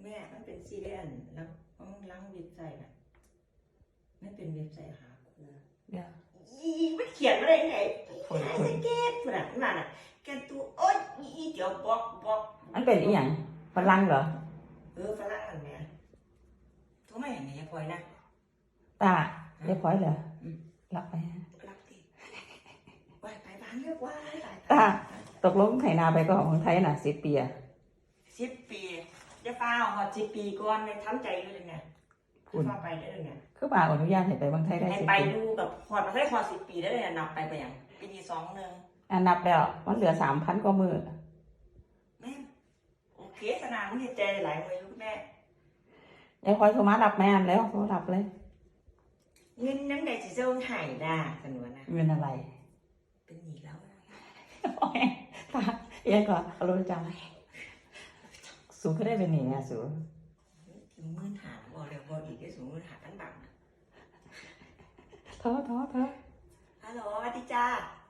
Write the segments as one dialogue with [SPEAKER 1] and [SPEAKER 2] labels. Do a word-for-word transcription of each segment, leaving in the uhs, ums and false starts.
[SPEAKER 1] แม่มันเป็นซีเรียสแล้วมันล้างเว็บไซต์น่ะไม่เป็นเว็บไซต์หาครู
[SPEAKER 2] เดี๋ยว
[SPEAKER 1] อีมันเขียนมาได้ไงไอ้เกตขนาดนั้นน่ะแกตัวโอ๊ยอีเดี๋ยวบล็อกบล็อก
[SPEAKER 2] มันเป็นอีหยังฝรั่งเหรอ
[SPEAKER 1] เออฝรั่งอันเนี้ยโทรมาอย่างนี้พลอยนะ
[SPEAKER 2] ตาเรียบร้อยเหรอหลับไป
[SPEAKER 1] รับดิไปไปบ้านเรียกว่า
[SPEAKER 2] ตาตกลงไถนาไปก็ของไทยน่ะสิบปีอะ
[SPEAKER 1] สิบปีจะฟ้าหอดสิบปีก่อนในทำใจอยู่เลยเนี่ยคุณฟ้าไปได้เลยเนี่ย
[SPEAKER 2] คือป่าอนุญาตให้ไปบางไทยได้สิบปี
[SPEAKER 1] ไปดูแบบหอดมาได้หอดสิบปีได้เลยนับไปไปอย่างปีที่สองหนึ่ง
[SPEAKER 2] อันนับแล้วมันเหลือสามพันกว่ามือ
[SPEAKER 1] แม่โอเคสนามมันใจหลายมือลูกแม่
[SPEAKER 2] ยายคอยโทรมารับแม่อันแล้วโทรรับเลย
[SPEAKER 1] เงินนั่งใดสิเจ้าหายได้สนวนนะ
[SPEAKER 2] เงินอะไร
[SPEAKER 1] เป็นหนี้แล้ว
[SPEAKER 2] โอ้ยตาเอ๊ะก่อนเอารู้จังสูงก็ได้เป็นหนี้อ่ะสูง
[SPEAKER 1] ถึงมื่นหาบอกเลยบอกอีกได้สูงมื่นหาตั้งบัง
[SPEAKER 2] ท้อท้อท้อ
[SPEAKER 1] ฮัลโหลสวัสดีจ้า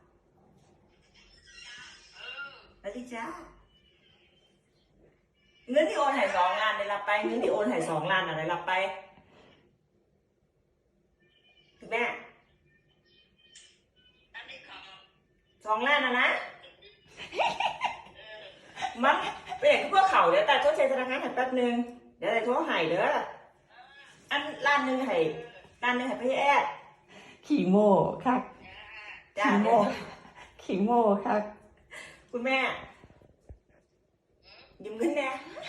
[SPEAKER 1] สวัสดีจ้าเงินที่โอนหายสองล้านได้รับไปเงินที่โอนหายสองล้านอะไรรับไปถึงแม่สองล้านนะนะมันเป็นพวกเขาเดี๋ยวแต่โทษใช้ธนาคารหันแป๊บนึงเดี๋ยวแต่โทษหายเด้ออันล้านหนึ่งหายล้านหนึ่งหายไปแอด
[SPEAKER 2] ขี่โม่ครับขี่โม่ขี่โม่ครับ
[SPEAKER 1] คุณแม่ยืมเงินแน่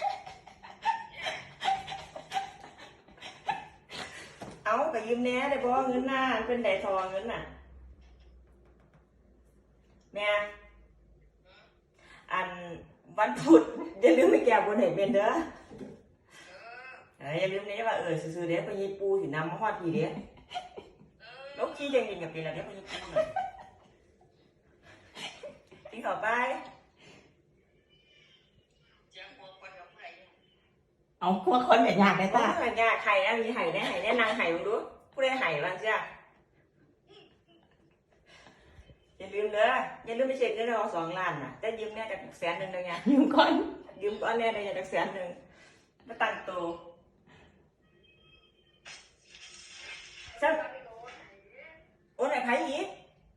[SPEAKER 1] เอาไปยืมแน่ได้เพราะเงินหน้าเป็นไดทองเงินน่ะแม่อันวันพุธอย่าลืมไปแก้บนให้เป็นเด้ออย่าลืมเนี่ยว่าเออซื้อๆเดี๋ยวไปยีปูถึงน้ำมาฮอดทีเดี๋ยวลกขี้เจงๆกับเป็นอะไรเดี๋ยวไปยีปูหน่อยทิ้งต่อไป
[SPEAKER 2] เอาพวกคนแบบยากได้ตา
[SPEAKER 1] แบบยากไข่นะมีไห่แน่ไห่แน่นางไห่มึงดูผู้ใดไห่บ้างจ้ะอย่าลืมเด้ออย่าลืมไปเช็คเงินเราสองล้านน่ะแต่ยืมแน่จากแสนหนึ่งเลยไง
[SPEAKER 2] ยืมก่อน
[SPEAKER 1] ยืมก้อนแน่ได้จากแสนหนึ่งมาตั้งโตสักโอนไหนไผ่อีก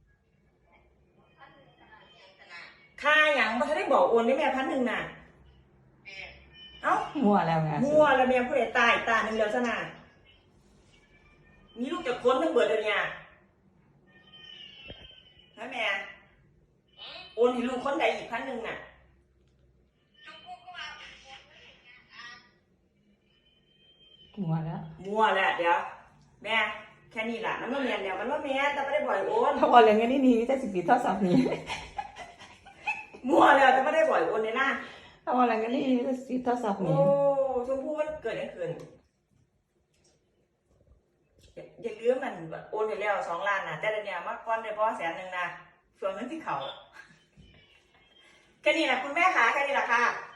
[SPEAKER 1] ค่าอย่างมันจะได้บอกโอนได้แม่พันหนึ่งน่ะเอ้า
[SPEAKER 2] มั่วแล้วไง
[SPEAKER 1] มั่วแล้วแม่ผู้ใดตายตาหนึ่งเดียวซะน่ะมีลูกจากคนทั้งเบิดเลยเนี่ยฮะแม่โอนให้ลูกคนใดอีกพันหนึ่งน่ะ
[SPEAKER 2] มั่วแล้ว
[SPEAKER 1] มั่วแหละเดี๋ยวแม่แค่นี้แหละมันว่าแม่เดี๋ยวมันว่าแม่แต่ไม่ได้บ่อยโอน
[SPEAKER 2] ถ้าบอกเรื่องนี้นี่จะสิบปีเท่าสามนี้
[SPEAKER 1] มั่วแล้วแต่ไม่ได้บ่อยโอนเลยนะ
[SPEAKER 2] ถ้าบอกเรื่องนี้จะสิบเท่าสามนี้
[SPEAKER 1] โอ้ชมพู่มันเกิดอะไรขึ้นอย่าลืมมันโอนไปแล้วสองล้านนะแต่เดี๋ยวนี้มาก้อนเลยเพราะแสนหนึ่งนะส่วนเงินที่เขาแค่นี้แหละคุณแม่คะแค่นี้แหละค่ะ